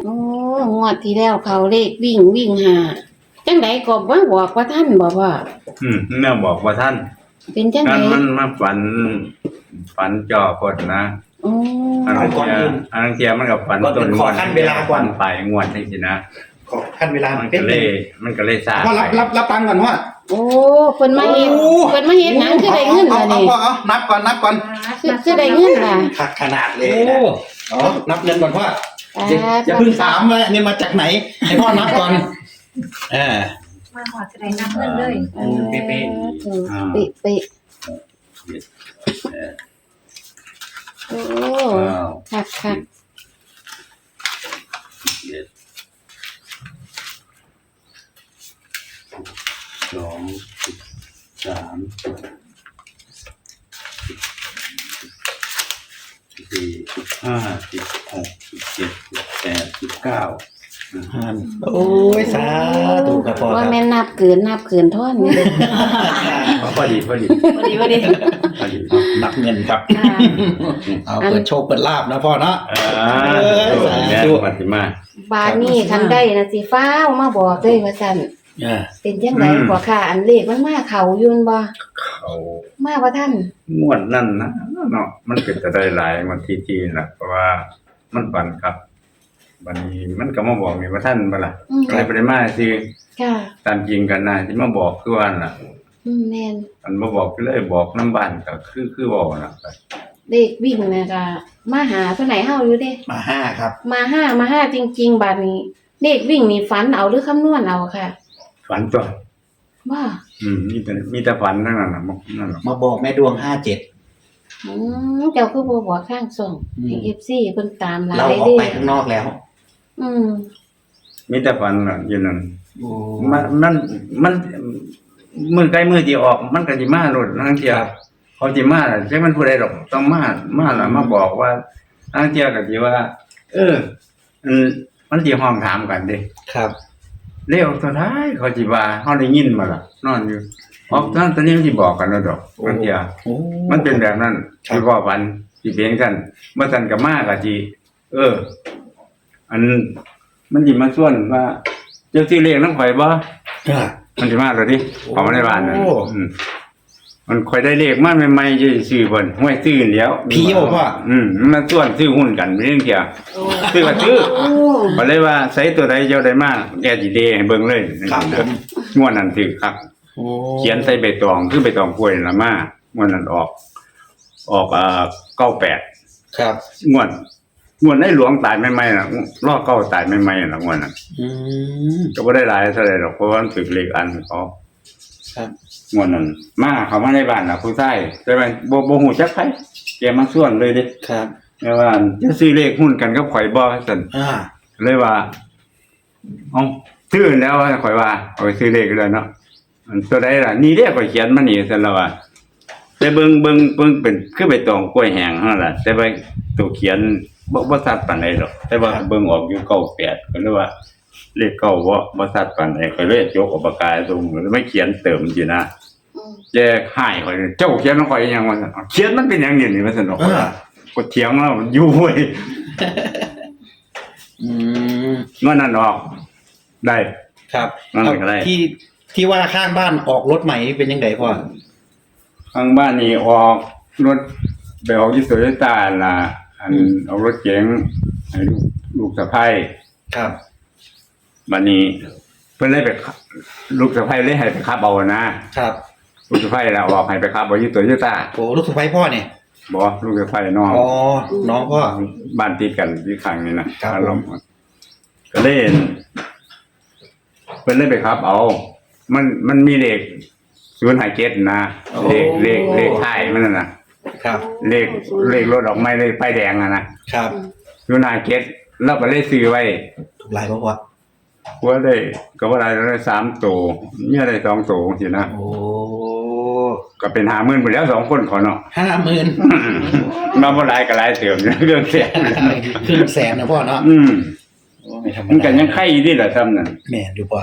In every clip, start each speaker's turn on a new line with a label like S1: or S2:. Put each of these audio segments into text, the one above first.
S1: โอ้งวดที่แล้วเขาเลขวิ่งหาจังไดก็บ่บอกว่าท่านบ่ว่า
S2: แม่บอกว่าท่าน
S1: เป็นจังได
S2: มันมาฝันจ่อคนนะ
S1: โอ้
S2: อันนั้นเทียมันกับฝันต้น
S3: ขอขั้นเวลาก่อน
S2: ปลายงวดนี่สินะ
S3: ขอขั้นเวลา
S2: มันก็เลยซา
S3: พ่อรับตังค์ก่อนพ่อ
S1: โอ้เพิ่นมาเฮ็ดหยังคือได้เงินล่ะนี่
S3: พ่อนับก่อน
S1: คือได้เงินล่ะ
S3: ขนาดเลยนะนับเงินก่อนพ่ออย่าเพิ่งถามว่านี่มาจากไหนให้พ่อนับก่อน
S4: มาขอจะได้นับเงินเลย
S3: เป๊ะ
S1: เป๊ะโอ้คัก
S2: 2 3 4 5 6 7 8 9
S3: โอ้ยสาธุครับพ่อ
S1: ว่าแม่นับเกินท่อนนี่
S2: พอดี
S3: นับเงินครับเอาเปิดโชคเปิดลาบนะพ่อเนาะ
S2: ดูปฏิมา
S1: บาดนี้คันได้นะสิฟ้าวมาบอกเลยว่าซั่นเป็นจังได๋บ่ค่ะอันเลขมันมาเข้าอยู่บ่
S2: เข้า
S1: มาบ่ทัน
S2: งวดนั้นนะเนาะมันเป็นจะได้หลายวันที่น่ะเพราะว่ามันฝันครับบัดนี้มันก็มาบอกนี่ว่าท่านบ่ล่ะอะไรบ่ได้มาสิ
S1: ค่ะ
S2: ตามจริงกันน่ะที่มาบอกคือว่าน่ะ
S1: แม่น
S2: มันบ่บอกเลยบอกนำบ้านก็คือเว้าน่ะ
S1: เลขวิ่งน่ะก็มาหาเพิ่นให้เฮาอยู่เด้
S3: มา5ครับ
S1: มาห้าจริงๆบัดนี้เลขวิ่งนี่ฝันเอาหรือคำนวณเอาค่ะ
S2: ฝันตัว
S1: ว่า
S2: มีแต่ฝันทั้งนั้นน่ะนั่นน่ะ
S3: มาบอกแม่ดวง57
S1: เจ้าคือบ่บอกข้างส่งให้ FC เพิ่นตามหลาย
S3: เด้เราออกไปข้างนอกแล้ว
S2: มีแต่ฝันน่ะอยู่นั่นมันมื้อใกล้มื้อที่ออกมันก็สิมาโลดทั้งเที่ยเขาสิมาจักมันผู้ใดดอกต้องมาล่ะมาบอกว่าทั้งเที่ยก็สิว่ามันสิห้องถามกันเด้
S3: ครับ
S2: เร็วสุดท้ายเขาสิว่าเฮาได้ยินมาล่ะนอนอยู่ออกตอนนี้มันสิบอกกันแล้วดอกทั้งเที่ยมันเป็นแบบนั้นสิว่าวันสิเป็นจังซั่นบ่ซั่นก็มาก็สิอันมันสิมาส่วนว่าเจ้าสิเลขนำข่อยบ่มันสิมาแล้วดิเข้ามาในบ้านนั่นมันค่อยได้เลขมาใหม่ๆจะซื้อเพิ่นห้วยซื้อแล้ว
S3: พี่โอ้พ่อ
S2: มันส่วนซื้อหุ้นกันเรื่องเกี่ยวซื้อก็ซื้อก็เลยว่าใส่ตัวใดเจ้าได้มาแกสิเดให้เบิ่งเลย
S3: ครับผม
S2: งวดนั้นถือครับเขียนใส่ใบตองคือใบตองกล้วยน่ะมางวดนั้นออก98
S3: ครับ
S2: งวดในหลวงตายใหม่ๆน่ะรอเก้าตายใหม่ๆน่ะงวดนั้นก็บ่ได้หลายเท่าใดดอกเพราะว่ามันถือเลขอันเขา
S3: ครับ
S2: งวดนั้นมาเข้ามาในบ้านน่ะผู้ชายแต่ว่าบ่ฮู้จักไผแกมาส่วนเลยเด้
S3: ครับ
S2: แต่ว่าจะซื้อเลขหุ้นกันกับข่อยบ่ซั่นเลยว่าเอ้าซื้อแล้วข่อยว่าเอาไปซื้อเลขเลยเนาะอันตัวใดล่ะนี่เด้ข่อยเขียนมานี่ซั่นแล้วว่าแต่เบิ่งเป็นคือใบตองกล้วยแห้งนั่นล่ะแต่ว่าตัวเขียนบ่ชัดปานใดดอกแต่ว่าเบิ่งออกอยู่98ก็เลยว่าเลข9บ่ชัดปานใดก็เลยยกออกปากกาตรงแล้วไม่เขียนเติมอยู่นะแจกให้ข่อยเจ้าเขียนของข่อยยังว่าเขียนมันเป็นหยังนี่ว่าซั่นดอกก็เถียงแล้วอยู่เว้ยเมื่อนั้นออกได้
S3: ครับ
S2: มันก็ได้
S3: ที่ว่าข้างบ้านออกรถใหม่เป็นจังไดพ่อ
S2: ข้างบ้านนี่ออกรถไปออกที่โตโยต้าล่ะอันเอารถเก๋งให้ลูกสะใภ้
S3: ครับ
S2: บัดนี้เพิ่นเลยไปลูกสะใภ้เลยให้ไปขับเอานะครับลูกสะใภ้แล้วออกให้ไปขับเอาที่โตโยต้า
S3: โอ้ลูกสะใภ้พ่อนี่
S2: บ่ลูกสะใภ้น้อง
S3: น้องพ่อ
S2: บ้านติดกันที่ข้างนี่นะครับก็เล่นเพิ่นเลยไปขับเอามันมีเลข057นะเลขท้ายมันน่ะ
S3: ครับ
S2: เลขรถออกไม้เลยป้ายแดงนะครับ057แล้วก็เลยซื้อไว้
S3: ถูกหลายบ่พ่อ
S2: ว่าได้ก็ว่าได้3ตัวเนี่ยได้2ตัวจังซี่นะ
S3: โอ้
S2: ก็เป็น 50,000 ไปแล้ว2คนขอเนาะ
S3: 50,000
S2: มาบ่หลายก็หลายเติมเรื่องแสน
S3: ครึ่งแสนนะพ่อเนาะ
S2: ไม่ธรรมดามันก็ยังไข่อยู่นี่แหละซ้ำนั่น
S3: แม่นอยู่พ่อ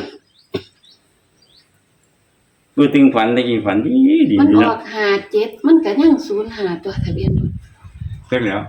S2: พูดถึงฝันได้กี่ฝันดี
S1: มันออก57มันก็ยัง05ตัวทะเบียนรถ
S2: เสร็จแล้ว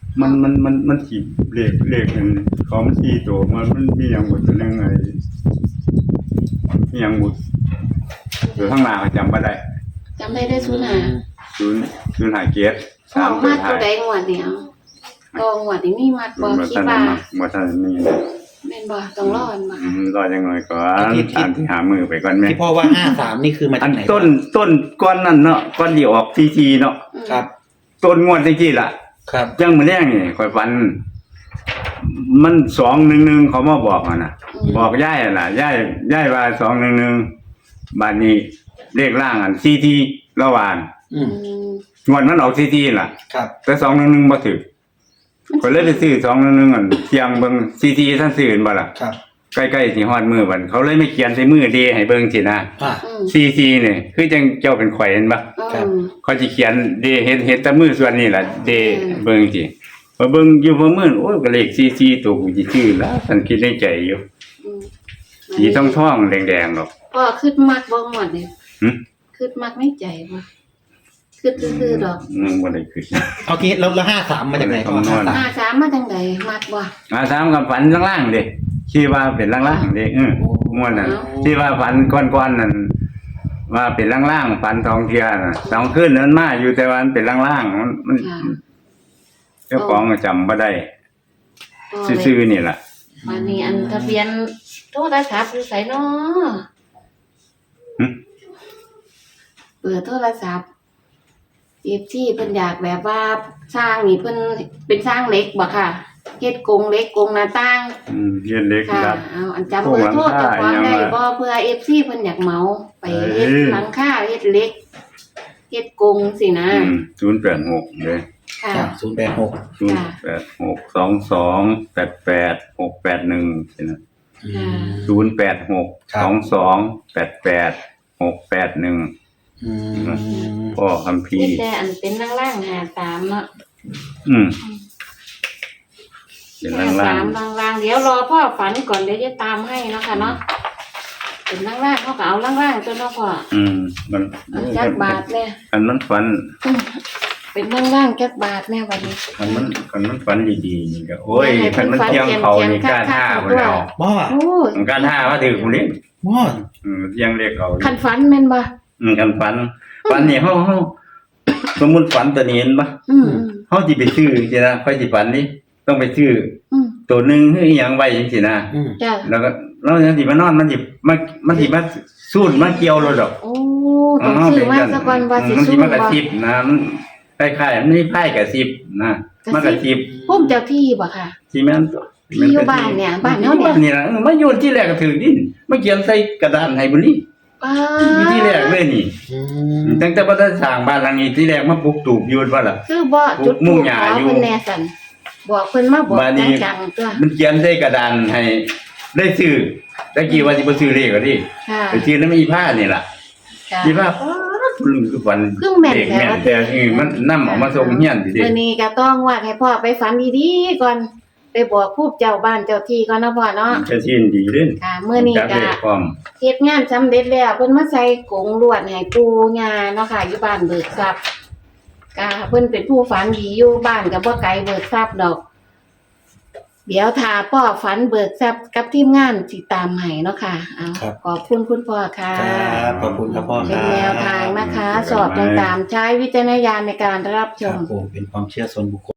S2: มันสิเลขมันของ4ตัวมันมีหยังบ่ตัวนึงไอ้มีหยังบ่อยู่ข้างหน้าก็จำบ่ได้
S1: จำได้ศูนย์หา
S2: 0 เกียรติ
S1: พ่อมัดตัวใดงวดเนี่ยตองวดนี่มีมัดบ่คิดว่า
S2: บ่ทันมี
S1: แม่นบ่ต้องรออันบ่
S2: รอจังหน่อยก่อนตามที่หามือไปก่อนแม่
S3: ที่พ่อว่า53นี่คือมา
S2: อั
S3: จาก
S2: น
S3: ไหน
S2: ต้นก้อนนั่นเนาะก้อนที่ออกทีเนาะ
S3: ครับ
S2: ต้นงวดจังซี่ล่ะ
S3: ครับ
S2: จังมื้อแรกนี่ข่อยฝันมัน211เขามาบอกน่ะบอกยายน่ะยายว่า211บัดนี้เลขล่างอันทีละวาน
S3: อืม
S2: งวดมันออกทีล่ะ
S3: ครับ
S2: แต่211บ่ถึกก็เลยไปซื้อ211อันเสียงเบิ่งทีท่านซื้อเห็นบ่ล่ะ
S3: ครับ
S2: ใกล้ๆสิฮอดมื้อบัดเขาเลยไม่เขียนใส่มือเดให้เบิ่งสินะ
S3: อ่า
S2: ทีนี่คือจังเจ้าเป็นข่อยเห็นบ่
S3: ครับ
S2: เขาสิเขียนเดเฮ็ดแต่มือส่วนนี้ล่ะเดเบิ่งสิพอเบิ่งอยู่พอมื้อโอ้ยก็เลขตัวกูสิซื้อแล้วฉันคิดในใจอยู่สีทองๆแดงๆดอก
S1: พ่อคิดมักบ่งวดนี่
S2: หึ
S1: คิดมักในใจบ่คิดซื่อๆดอก
S2: บ่ได้คิด
S3: เอางี้แล้ว53มาจากไหนพ่อ
S2: คำนวณ
S1: 53มาจังไดมักบ่
S2: ถามกับฝันล่างๆเด้คิดว่าเป็นล่างๆเด้ม่วนนั่นที่ว่าฝันก้อนๆนั่นว่าเป็นล่างๆฝันทองเทียน่ะ2คืนนั้นมาอยู่แต่ว่ามันเป็นล่างๆมัน
S1: ค่ะ
S2: เจ้าของก็จำบ่ได้ซื่อๆนี่ล่ะ
S1: วันนี้อันทะเบียนโทรศัพท์อยู่ไสเนาะ
S2: หึ
S1: เปิดโทรศัพท์ที่เพิ่นอยากแบบว่าสร้างนี่เพิ่นเป็นสร้างเหล็กบ่ค่ะเฮ็ดกรงเหล็กกรงหน้าต่าง
S2: เรียนเล็ก
S1: ค่ะ
S2: ครับ
S1: เอาอันจำเบอร์โทรเจ้าของได้บ่เพื่อ FC เพิ่นอยากเหมาไปเฮ็ดหลังคาเฮ็ดเหล็กเฮ็ดกรงสินะ
S2: 086เด้
S1: ค่ะ
S3: ครับ086
S2: 08622888681สินะ
S3: อืม
S2: 08622888681
S3: อืม
S2: พ่อคัมภี
S1: เฮ็ด
S2: ร์
S1: แต่อันเป็นล่างๆ53เนาะ
S2: เป็นล่าง
S1: 53ล่างๆเดี๋ยวรอพ่อฝันก่อนเดี๋ยวจะตามให้เนาะค่ะเนาะเป็นล่างๆเขาก็เอาล่างๆตัวเนาะพ่อ
S2: มัน
S1: เอาจักบาทแน่
S2: อันมันฝัน
S1: เป็นล่างๆจักบาทแน่บัดนี้
S2: อันมันฝันดีๆนี่ก็โอ้ยคันมันเที่ยงเขานี่กล้าท่าบ่แล้ว
S3: บ่
S1: โอ้
S2: มันกล้าท่าว่าถือผู้นี้
S3: บ่
S2: เที่ยงเรียกเอา
S1: คันฝันแม่นบ่
S2: กันฝันนี่เฮาสมมุติฝันตัวนี้เห็นบ่
S1: อืม
S2: เฮาสิไปซื้อจังซี่นะค่อยสิฝันนี่ต้องไปซื้อ
S1: อืม
S2: ตัวหนึงคืออีหยังไว้จังซี่นะ
S3: อืม
S1: จ้ะ
S2: แล้วก็เราจังสิมานอนมันสิมาสูดมาเกี่ยวเราดอก
S1: โอ้ต้องซื้อมาสักวันว่าสิ
S2: มันสิ
S1: สู้
S2: มากระ
S1: บ่
S2: ซิบนะมันคล้ายๆมันมีไพ่กระซิบนะมากระซิบ
S1: พุ่มเจ้าที่บ่ค่ะ
S2: สิแม่นตัว
S1: ที่อยู่บ้านเนี่ยบ้านเฮาเนี่ย
S2: นี่ล่ะมาโยนที่แรกก็ถือดินมาเขียนใส่กระดานให้บุรี
S1: ป้า
S2: มีที่แรกเลยนี่
S3: อืม
S2: ตั้งแต่บ่ได้สร้างบ้านหลังนี้ที่แรกมาปลูกตูบอยู่ว่าล่ะ
S1: คือบ่จุด
S2: มุ่
S1: ทู
S2: ง
S1: ป
S2: หญ้า
S1: ขอ
S2: อยู่
S1: เพิ่นแน่สั่นบอกเพิ่นมาบอก
S2: บ้านนี้
S1: จังๆตัว
S2: มันเขียนใส่กระดานให้ได้ซื้อตะกี้ว่าสิบ่ซื้อเลขก็ดิ
S1: ค่ะ
S2: ไปซื้อนำอีผ้านี่ล่ะ
S1: ค่ะ
S2: อีผ้าลืมคือวัน
S1: คือแม่น
S2: เด็ก
S1: แท้
S2: แม่น
S1: ว่า
S2: แต่มันนำเอามาส่งเฮียนดิ
S1: มื้อนี้ก็ต้องว่าให้พ่อไปฝันดีๆก่อนไปบอกผู้เจ้าบ้านเจ้าที่ก่อนนะพ่อเนาะ
S2: จะชินดีเด้
S1: ค่ะมื้อนี้
S2: จัก
S1: ก็
S2: เลขพร้อม
S1: เฮ็ดงานสำเร็จแล้วเพิ่นมาใส่กรงลวดให้ปู่ย่าเนาะค่ะอยู่บ้านเบิกทรัพย์ก็เพิ่นเป็นผู้ฝันดีอยู่บ้านก็บ่ไกลเบิกทรัพย์ดอก เดี๋ยวถ้าพ่อฝันเบิกทรัพย์กับทีมงานสิตามให้เนาะค่ะเอาขอบคุณคุณพ่อค่ะ
S3: ครับขอบคุณครับพ่อค
S1: เป็
S3: รั
S1: น
S3: บ
S1: แนวทางนะคะ สอบต่างๆใช้วิจารณญาณในการรับช
S3: ครั
S1: ม
S3: บผมเป็นความเชื่อส่วนบุคคล